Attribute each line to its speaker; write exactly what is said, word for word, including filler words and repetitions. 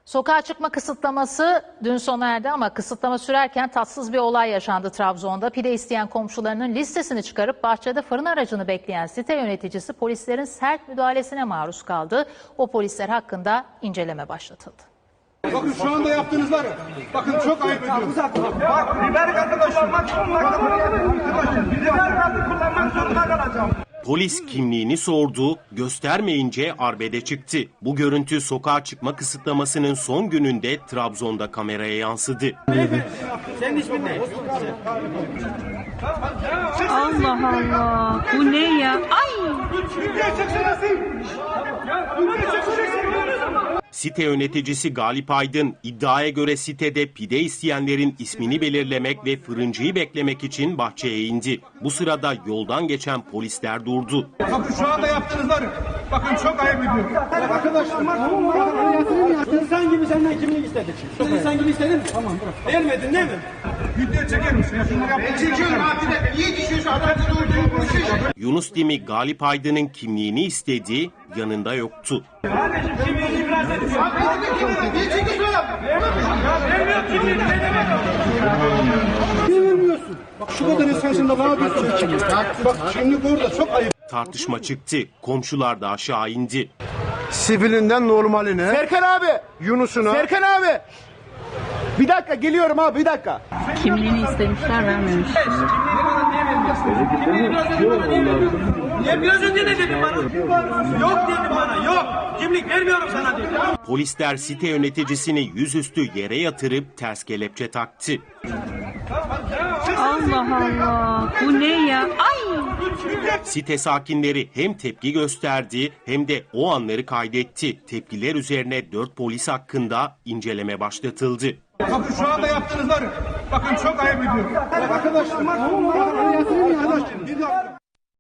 Speaker 1: Sokağa çıkma kısıtlaması dün sona erdi ama kısıtlama sürerken tatsız bir olay yaşandı Trabzon'da. Pide isteyen komşularının listesini çıkarıp bahçede fırın aracını bekleyen site yöneticisi polislerin sert müdahalesine maruz kaldı. O polisler hakkında inceleme başlatıldı.
Speaker 2: Bakın şu anda yaptığınız var ya, bakın çok ayıp ediyorum.
Speaker 3: Bak biber gazı kullanmak zorunda kalacağım. Biber gazı kullanmak zorunda kalacağım.
Speaker 4: Polis kimliğini sordu, göstermeyince arbede çıktı. Bu görüntü sokağa çıkma kısıtlamasının son gününde Trabzon'da kameraya yansıdı.
Speaker 3: Senin ismin ne?
Speaker 5: Allah Allah. Bu ne ya? Ay!
Speaker 4: Site yöneticisi Galip Aydın iddiaya göre sitede pide isteyenlerin ismini belirlemek ve fırıncıyı beklemek için bahçeye indi. Bu sırada yoldan geçen polisler durdu.
Speaker 2: Bakın şu anda yaptığınız var ya, bakın çok ayıp ediyorum. Arkadaşlar.
Speaker 6: İnsan gibi senden kimlik istedik. Sen insan gibi istedin mi? Tamam bırak. Vermedin değil mi?
Speaker 2: Video çeker misin? Ya şunları yapmayın.
Speaker 3: Çekiyorum abi de. Niye düşüyorsun adamları öldürüp konuşuyor?
Speaker 4: Yunus Dimi Galip Aydın'ın kimliğini istedi, yanında yoktu.
Speaker 3: Kardeşim kimliğini ibraz edin. Abi ne kimliğini? Niye çekiyorsun adam? Vermiyor kimliğini. Ne demek?
Speaker 2: Niye vermiyorsun? Bak şu kadar insansın da ne yapıyorsun? Bak kimlik orada çok ayıp.
Speaker 4: Tartışma çıktı, komşular da aşağı indi.
Speaker 7: Sivilinden normaline.
Speaker 6: Serkan abi.
Speaker 7: Yunus'una.
Speaker 6: Serkan abi. Bir dakika geliyorum abi bir dakika.
Speaker 5: Kimliğini istemişler, vermemiş.
Speaker 3: Kimliğini ibraz edin bana niye vermiyorsun? Niye biraz önce ne dedin bana? Yok dedim bana yok. Kimlik vermiyorum sana dedim.
Speaker 4: Polisler site yöneticisini yüzüstü yere yatırıp ters kelepçe taktı.
Speaker 5: Allah Allah. Bu ne ya? Ay!
Speaker 4: Site sakinleri hem tepki gösterdi hem de o anları kaydetti. Tepkiler üzerine dört polis hakkında inceleme başlatıldı.
Speaker 2: Bakın şu anda yaptığınız var ya, bakın çok ayıp ediyorum. Arkadaşlar. Arkadaşlar.